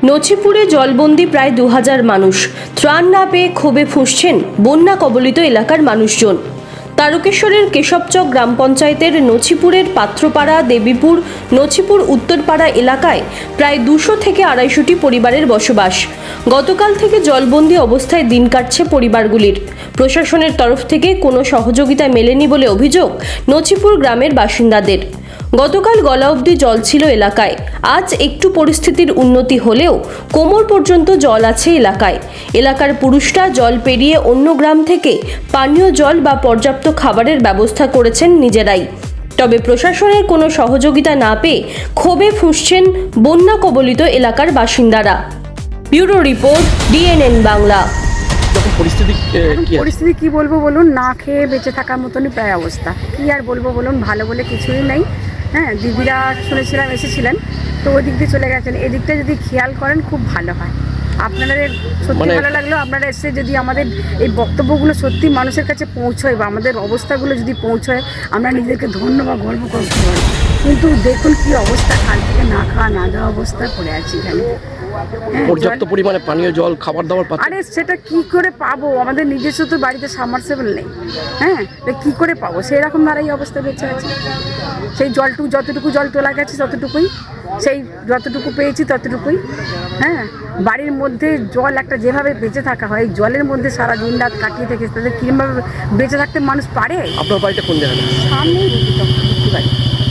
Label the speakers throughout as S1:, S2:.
S1: নছিপুরে জলবন্দি প্রায় 2000 মানুষ। ত্রাণ না পেয়ে ক্ষোভে ফুঁসছেন বন্যা কবলিত এলাকার মানুষজন। তারকেশ্বরের কেশবচক গ্রাম পঞ্চায়েতের নছিপুরের পাত্রপাড়া, দেবীপুর, নছিপুর উত্তরপাড়া এলাকায় প্রায় 200 থেকে 250টি পরিবারের বসবাস। গতকাল থেকে জলবন্দি অবস্থায় দিন কাটছে পরিবারগুলির। প্রশাসনের তরফ থেকে কোনো সহযোগিতা মেলেনি বলে অভিযোগ নছিপুর গ্রামের বাসিন্দাদের। গতকাল গলা অবধি জল ছিল এলাকায়। আজ একটু পরিস্থিতির উন্নতি হলেও কোমর পর্যন্ত জল আছে এলাকায়। এলাকার পুরুষরা জল পেরিয়ে অন্য গ্রাম থেকে পানীয় জল বা পর্যাপ্ত খাবারের ব্যবস্থা করেছেন নিজেরাই। তবে প্রশাসনের কোনো সহযোগিতা না পেয়ে ক্ষোভে ফুঁসছেন বন্যা কবলিত এলাকার বাসিন্দারা। Bureau report, DNN Bangla.
S2: পরিস্থিতি কি বলবো বলুন, না খেয়ে বেঁচে থাকার মতনই প্রায় অবস্থা। কি আর বলবো বলুন, ভালো বলে কিছুই নেই। হ্যাঁ, দিদিরা শুনেছিলাম এসেছিলেন, তো ওই দিক দিয়ে চলে গেছেন। এদিকটা যদি খেয়াল করেন খুব ভালো হয়। আপনাদের সত্যি ভালো লাগলো, আপনারা এসে যদি আমাদের এই বক্তব্যগুলো সত্যি মানুষের কাছে পৌঁছয় বা আমাদের অবস্থাগুলো যদি পৌঁছয়, আমরা নিজেদেরকে ধন্য বা গর্ব করতে পারি। কিন্তু দেখুন কি অবস্থা, কাল থেকে না খাওয়া না দেওয়া অবস্থা পড়ে আছি এখানে।
S3: পর্যাপ্ত পরিমাণে পানীয় জল, খাবার দাবার পাচ্ছেন?
S2: আরে সেটা কি করে পাবো, আমাদের নিজস্ব তো বাড়িতে সাবমার্সিবল নেই। হ্যাঁ, কি করে পাবো, সেই রকম দ্বারাই অবস্থা বেঁচে আছে। সেই যতটুকু জল তোলা গেছে ততটুকুই, সেই যতটুকু পেয়েছি ততটুকুই। হ্যাঁ, বাড়ির মধ্যে জল একটা যেভাবে বেঁচে থাকা হয়, জলের মধ্যে সারা দিন রাত কাটিয়ে থেকে তাদের কিভাবে বেঁচে থাকতে মানুষ পারে।
S3: আপনার বাড়িটা কোন জায়গায়?
S2: সামনেই বাড়ি,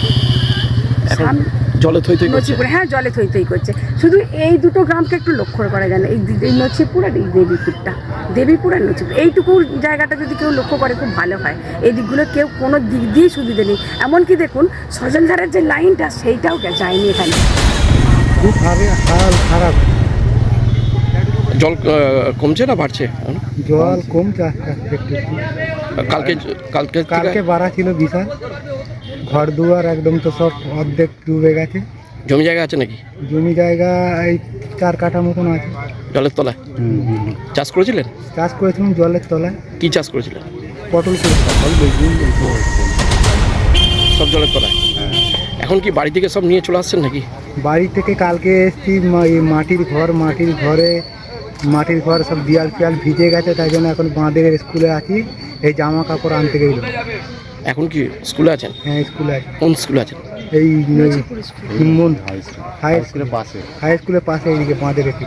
S3: জলে থই থই করছে?
S2: হ্যাঁ, জলে থই থই করছে। শুধু এই দুটো গ্রামকে একটু লক্ষ্য করা যায় না, এই নছিপুর আর এই দেবীপুর আর নছিপুর, এইটুকু জায়গাটা যদি কেউ লক্ষ্য করে খুব ভালো হয়। এই দিকগুলো কেউ কোনো দিক দিয়ে সুবিধে নেই। এমনকি দেখুন সজলধারের যে লাইনটা সেইটাও যায়নি এখানে।
S4: খুব হাল খারাপ।
S3: জল কমছে না বাড়ছে?
S4: জল কমছে একটু। কালকে বাড়া ছিল বিশাল। ঘর দুয়ার একদম তো সব অর্ধেক ডুবে গেছে।
S3: জমি জায়গা আছে নাকি?
S4: জমি জায়গা এই 4 কাঠা মতন আছে।
S3: জলের তলায় চাষ করেছিলেন?
S4: চাষ করেছিলাম জলের তলায়।
S3: কি চাষ করেছিলেন?
S4: পটল করেছিলাম।
S3: সব জলের তলায়। এখন কি বাড়ি থেকে সব নিয়ে চলে আসছেন নাকি?
S4: বাড়ি থেকে কালকে এসছি, মাটির ঘর সব দেয়াল ফিয়াল ভিজে গেছে, তাই জন্য এখন বাঁধের স্কুলে আছি। এই জামা কাপড় আনতে গেল।
S3: এখন কি স্কুলে আছেন?
S4: হ্যাঁ, স্কুলে আছি।
S3: কোন স্কুলে আছেন?
S4: এই হাই স্কুলের পাশে এইদিকে বাঁধের একটু।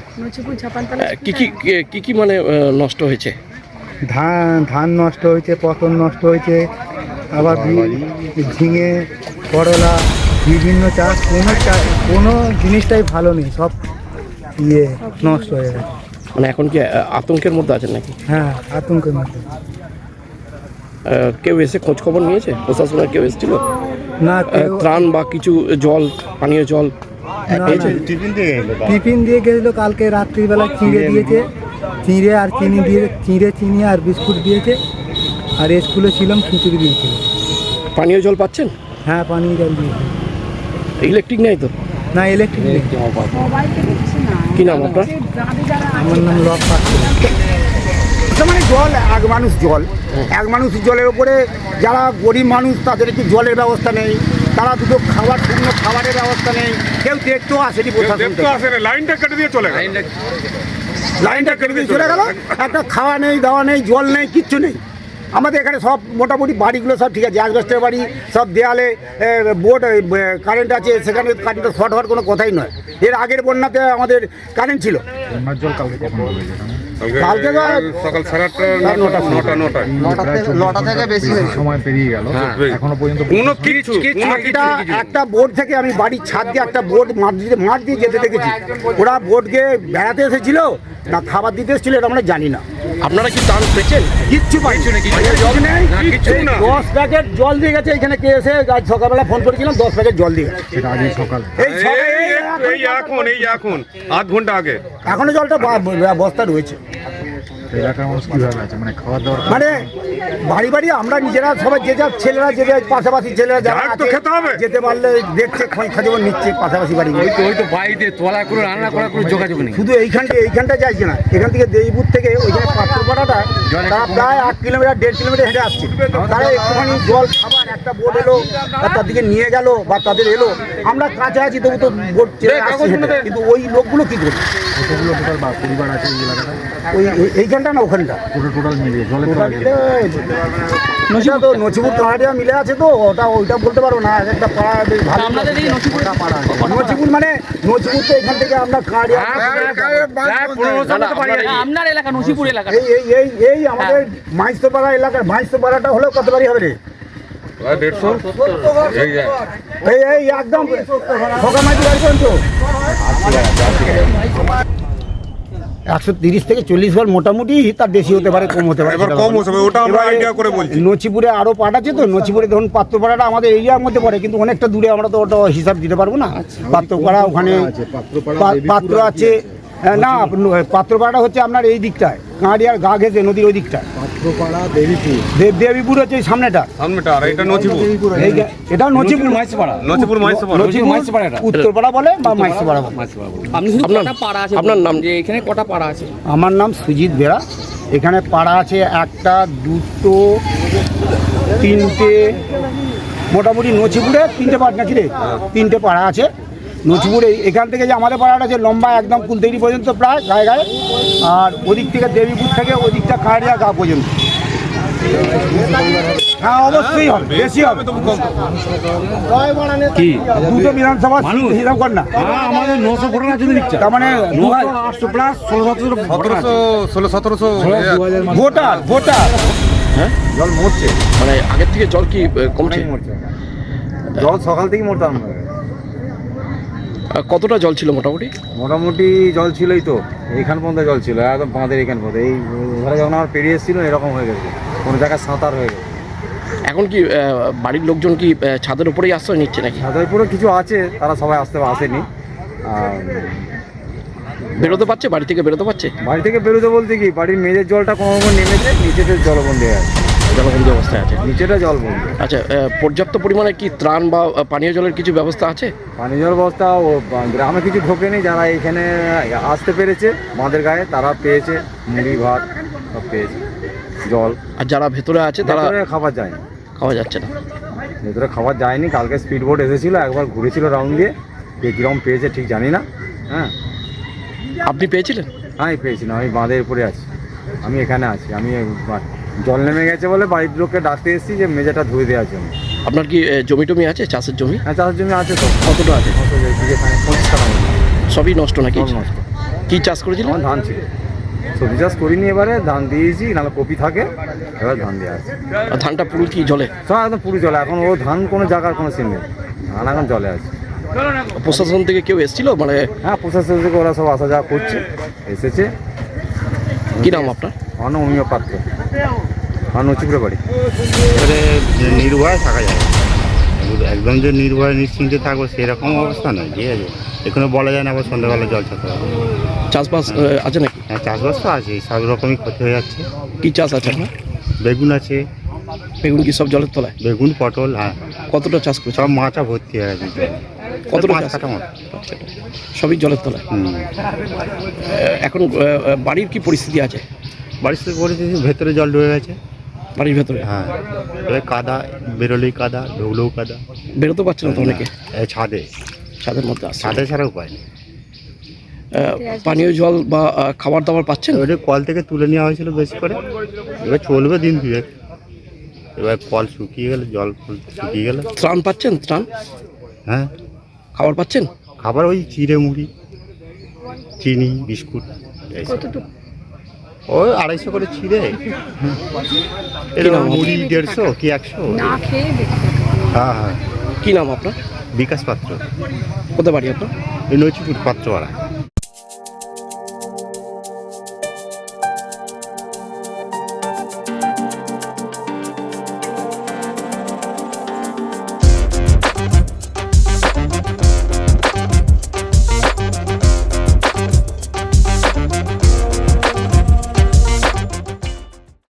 S3: কি মানে নষ্ট হয়েছে?
S4: ধান নষ্ট হয়েছে, পটল নষ্ট হয়েছে, আবার ঝিঙে, করলা, বিভিন্ন চাষ। কোনো জিনিসটাই ভালো নেই, সব নষ্ট হয়ে গেছে।
S3: মানে এখন কি আতঙ্কের মধ্যে আছেন নাকি?
S4: হ্যাঁ, আতঙ্কের মধ্যে।
S3: কেউ এসে খোঁজ খবর নিয়েছে? প্রশাসনের কেউ এসেছিল
S4: না?
S3: ত্রাণ বা কিছু জল, পানীয় জল?
S4: টিফিন দিয়ে গেছিল কালকে রাত্রিবেলা, চিঁড়ে দিয়েছে। চিঁড়ে আর চিনি আর বিস্কুট দিয়েছে। আর স্কুলে ছিলাম, খিচুড়ি দিয়েছিল।
S3: পানীয় জল পাচ্ছেন?
S4: হ্যাঁ, পানীয় জল দিয়েছে।
S3: ইলেকট্রিক নেই তো?
S4: না, ইলেকট্রিক নেই।
S3: কি নাম আপনার?
S4: আমার নাম লক পাত্র।
S5: মানে জল এক মানুষ জলের ওপরে যারা গরিব মানুষ তাদের একটু জলের ব্যবস্থা নেই, তারা দুটো শুকনো খাবারের ব্যবস্থা নেই, কেউ দেখতেও আসেনি। লাইনটা কেটে দিয়ে চলে গেল। একটা খাওয়া নেই, দাওয়া নেই, জল নেই, কিচ্ছু নেই। আমাদের এখানে সব মোটামুটি বাড়িগুলো সব ঠিক আছে, অ্যাসবেস্টের বাড়ি, সব দেয়ালে বোর্ড কারেন্ট আছে, সেখানে কারেন্টের শর্ট হওয়ার কোনো কথাই নয়। এর আগের বন্যাতে আমাদের কারেন্ট ছিল। কালকে
S6: সকাল 9:30 থেকে বেশি সময় পেরিয়ে গেল, এখনো পর্যন্ত কোনো কিছু।
S5: একটা বোর্ড থেকে আমি বাড়ির ছাদ দিয়ে একটা বোর্ড মাঠ দিয়ে যেতে দেখেছি। ওরা বোর্ডকে বেড়াতে এসেছিল না খাবার দিতে এসেছিল, এটা আমরা জানি না।
S3: আপনারা কি ত্রাণ পেয়েছেন?
S5: কিচ্ছু পাইছি না, 10 প্যাকেট জল দিয়ে গেছে। এখানে কে এসে আজ সকালবেলা ফোন করেছিলাম, 10 প্যাকেট জল দিয়ে গেছে।
S6: সকাল
S7: এখন আধ ঘন্টা আগে
S5: এখনো জলটা বস্তা রয়েছে।
S6: এলাকার মানুষ কিভাবে আছে, মানে খাওয়া দাওয়া?
S5: মানে বাড়ি বাড়ি আমরা নিজেরা সবাই যে যার ছেলেরা, যে যার পাশাপাশি ছেলেরা যারা
S7: খেতে হবে,
S5: যেতে পারলে দেখছে, খোঁজ নিচ্ছে পাশাপাশি বাড়ি।
S6: বাড়িতে তোলা করে রান্না করা করে যোগাযোগ নেই।
S5: শুধু এইখানটা যাইছে না, এখান থেকে দেবীপুর থেকে ওইখানে পাত্রপাড়াটা তারা প্রায় 1 কিলোমিটার 1.5 কিলোমিটার হেঁটে আসছে। তারা একটুখানি জল খাবার একটা বোট এলো আর তার দিকে নিয়ে গেল বা তাদের এলো, আমরা কাছে আছি তবু তো বোট চেয়ে আসছি হেঁটে। কিন্তু ওই লোকগুলো কি করবে?
S6: কতগুলো টোটাল পরিবার আছে এই এলাকাটা?
S5: ওই এইখানটা না ওখানটা
S6: টোটাল মিলিয়ে জলের
S5: ওটা
S6: তলায়
S5: মিলে এটা তো নচিপুর কানাডিয়া মিলে আছে, তো ওইটা বলতে পারবো না। এক একটা পাড়া বেশ ভালো। নচিপুর মানে নচিপুর তো এখান থেকে আমরা কানাডিয়া
S7: আপনার এলাকা নসিপুর এলাকা
S5: এই আমাদের মাইস্তপাড়া এলাকার মাইস্তপাড়াটা হলেও কত বাড়ি হবে রে? 150 এই একদম ভোগামাইতি বাড়ি পর্যন্ত 130 থেকে 40 বার মোটামুটি, তার বেশি হতে পারে, কম হতে পারে। নচিপুরে আরো পাট আছে, তো নচিপুরে ধরুন পাত্রপাড়াটা আমাদের এরিয়ার মধ্যে পড়ে, কিন্তু অনেকটা দূরে, আমরা তো ওটা হিসাব দিতে পারবো না। পাত্রপাড়া ওখানে পাত্র আছে, না পাত্রপাড়াটা হচ্ছে আপনার এই দিকটায়, কাঁড়িয়ার গা ঘেঁষে নদীর ওই দিকটায়।
S6: পাত্রপাড়া দেবীপুর
S5: দেবীপুর হচ্ছে এই সামনেটা,
S8: আর এটা নচিপুর,
S5: এটা নচিপুর
S8: নচিপুর মাইসপাড়া,
S5: উত্তরপাড়া বলে বা মাইসপাড়া বলে।
S7: আপনি শুধু কটা পাড়া আছে
S3: আপনার নাম?
S7: যে এখানে কটা পাড়া আছে?
S5: আমার নাম সুজিত বেরা। এখানে পাড়া আছে 1টা 2টো 3টে, মোটামুটি নচিপুরে 3টে পাড়া নাকি রে? 3টে পাড়া আছে নচিপুরে। এখান থেকে যে আমাদের পাড়াটা আছে লম্বা একদম কুলতৈরি পর্যন্ত প্রায় গায়ে গায়ে, আর ওদিক থেকে দেবীপুর থেকে ওদিকটা কাঁড়িয়া গা পর্যন্ত। হ্যাঁ অবশ্যই হবে, বেশি হবে।
S6: কি
S5: দুটো বিধানসভা হিসাব কর না,
S6: আমাদের 900 ভোটার আছে দিচ্ছে,
S5: তার মানে
S6: 800 প্লাস
S8: 1600
S5: ভোটার ভোটার
S3: হ্যাঁ,
S6: জল মরছে,
S3: মানে আগের থেকে জল কি কমছে?
S6: জল সকাল থেকেই মরতে আরম্ভ হয়ে গেছে।
S3: কতটা জল ছিল মোটামুটি?
S6: মোটামুটি জল ছিলই তো, এইখান পর্যন্ত জল ছিল, একদম বাঁধের এইখান পর্যন্ত। এই ধরে যখন আমার পেরিয়ে এসেছিল এরকম হয়ে গেছে, কোনো জায়গায় সাঁতার হয়ে গেছে।
S3: এখন কি বাড়ির লোকজন কি ছাদের উপরেই আশ্রয় নিচ্ছে নাকি?
S6: সাঁতারপুরে কিছু আছে, তারা সবাই আসেনি। আর
S3: বেরোতে পারছে, বাড়ি থেকে বেরোতে পারছে?
S6: বাড়ি থেকে বেরোতে বলতে কি, বাড়ির মেঝের জলটা কোনো নেমেছে, নিচেতে জলবন্দী হয়ে আছে,
S3: জলবন্দী অবস্থায় আছে,
S6: নিচেটা জলবন্দী।
S3: আচ্ছা, পর্যাপ্ত পরিমাণে কি ত্রাণ বা পানীয় জলের কিছু ব্যবস্থা আছে?
S6: পানীয় জল ব্যবস্থা ও গ্রামে কিছু ঢোকেনি, যারা এখানে আসতে পেরেছে বাঁধের গায়ে তারা পেয়েছে, মুড়ি ভাত সব পেয়েছে, জল।
S3: আর যারা ভেতরে আছে তারা
S6: খাবার যায়নি,
S3: খাওয়া যাচ্ছে না?
S6: ভেতরে খাবার যায়নি। কালকে স্পিড বোট এসেছিল, একবার ঘুরেছিল রাউন্ড দিয়ে, কে কীরকম পেয়েছে ঠিক জানি না। হ্যাঁ
S3: আপনি পেয়েছিলেন?
S6: আমি পেয়েছি না, আমি বাঁধের উপরে আছি, আমি এখানে আছি। আমি জল নেমে গেছে বলে বাড়ির লোককে ডাকতে এসেছি যে মেঝেটা ধুয়ে দেওয়ার জন্য।
S3: আপনার কি জমি টমি আছে, চাষের জমি?
S6: হ্যাঁ চাষের জমি আছে তো।
S3: কতটা আছে?
S6: এখানে 25 টাকা মতো।
S3: সবই নষ্ট নাকি?
S6: জল নষ্ট।
S3: কি চাষ করেছিলেন?
S6: আমার ধান ছিল, সবজি চাষ করিনি, এবারে ধান দিয়েছি, নাহলে কপি থাকে, এবার ধান দেওয়া আছে।
S3: আর ধানটা পুরো কি জলে?
S6: সব একদম পুরো জলে, এখন ও ধান কোনো জায়গার কোনো সিন নেই, ধান এখন জলে আছে।
S3: প্রশাসন থেকে কেউ এসেছিল মানে?
S6: হ্যাঁ প্রশাসন থেকে ওরা সব আসা যাওয়া করছে, এসেছে।
S3: কি নাম আপনার?
S6: আমার নাম অমিয় পাত্র, আমার নচিপুরে বাড়ি।
S9: এবারে নির্ভয় থাকা যায় না। একদম যে নির্ভয় নিশ্চিন্তে থাকবো সেরকম অবস্থা নয়, ঠিক আছে? এখানে বলা যায় না আবার সন্ধ্যাবেলা জল ছাড়তে হবে।
S3: চাষবাস আছে নাকি?
S9: হ্যাঁ চাষবাস তো আছে, সব রকমই ক্ষতি হয়ে যাচ্ছে।
S3: কি চাষ আছে আপনার?
S9: বেগুন আছে,
S3: বেগুন কি সব জলের তলায়?
S9: বেগুন পটল, হ্যাঁ
S3: কতটা চাষ করছে?
S9: সব মাচা ভর্তি হয়ে গেছে জলে।
S3: কতটা
S9: 5
S3: চাষ?
S9: কাঠা মতো।
S3: সবই জলের তলায়।
S9: হুম।
S3: এখন বাড়ির কি পরিস্থিতি আছে?
S9: বাড়ির থেকে পরিস্থিতি ভেতরে জল ঢুকে গেছে।
S3: বাড়ির ভেতরে?
S9: হ্যাঁ এবার কাদা, বেরোলেই কাদা, ঢুকলেও কাদা।
S3: বেরোতে পারছে না তো অনেকে?
S9: এই ছাদে,
S3: ছাদের মধ্যে আসছে।
S9: ছাদে ছাড়া উপায় নেই।
S3: পানীয় জল বা খাবার দাবার পাচ্ছেন?
S9: ওটা কল থেকে তুলে নেওয়া হয়েছিল বেশি করে, এবার চলবে দিন দুয়েক। এবার কল শুকিয়ে গেলে, জল শুকিয়ে গেলে।
S3: ত্রাণ পাচ্ছেন? ত্রাণ?
S9: হ্যাঁ
S3: খাবার পাচ্ছেন?
S9: খাবার ওই চিড়ে মুড়ি, চিনি, বিস্কুট, এইসব। ওই 250 করে চিড়ে, এরকম মুড়ি 150 কি 100।
S2: না খেয়ে বেঁচে থাকা।
S9: হ্যাঁ হ্যাঁ।
S3: কি নাম আপনার?
S9: বিকাশ পাত্র,
S3: কোথায় বাড়ি আপনার?
S9: এই নচিপুর পাত্রপাড়া।